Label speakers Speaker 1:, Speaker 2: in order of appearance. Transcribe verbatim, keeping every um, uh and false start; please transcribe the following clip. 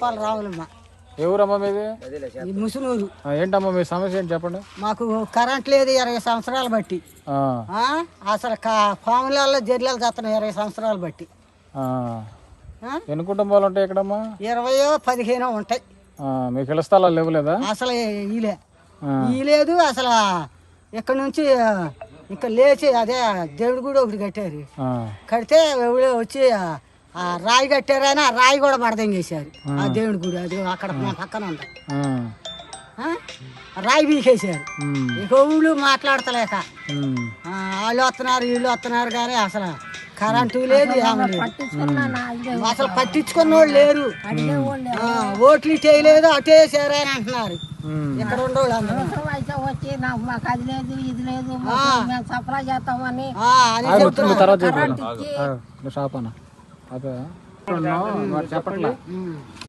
Speaker 1: తిప్పాలి రావులమ్మ.
Speaker 2: ఎవరమ్మా మీది?
Speaker 1: ఈ ముసునూరు.
Speaker 2: ఏంటమ్మా మీ సమస్య ఏంటి చెప్పండి.
Speaker 1: మాకు కరెంట్ లేదు ఇరవై సంవత్సరాలు బట్టి. అసలు పాములలో జర్లలు చేస్తున్నాయి ఇరవై సంవత్సరాలు బట్టి.
Speaker 2: ఎన్ని కుటుంబాలు ఉంటాయి ఇక్కడమ్మా?
Speaker 1: ఇరవయో పదిహేనో ఉంటాయి.
Speaker 2: మీకు ఇళ్ళ స్థలాలు లేవు లేదా?
Speaker 1: అసలు ఈలే ఈ లేదు. అసలు ఇక్కడ నుంచి ఇంకా లేచి అదే దేవుడి గుడి ఒకటి కట్టారు. కడితే ఎవడో వచ్చి ఆ రాయి కట్టారని ఆ రాయి కూడా మడదంగేశారు. ఆ దేవుడి గుడి అది అక్కడ పక్కన ఉంది. రాయి బీకేశారు. ఇక ఊళ్ళు మాట్లాడతలేక వాళ్ళు వస్తున్నారు వీళ్ళు వస్తున్నారు కానీ అసలు కరెంటు లేదు, అసలు పట్టించుకున్న వాళ్ళు లేరు. ఓట్లు చేయలేదు అటే చేశారు అని అంటున్నారు ఇక్కడ ఉండేవాళ్ళు అందరూ.
Speaker 3: మాకు అది లేదు ఇది లేదు సప్లై చేస్తామని
Speaker 2: చెప్పట్లే.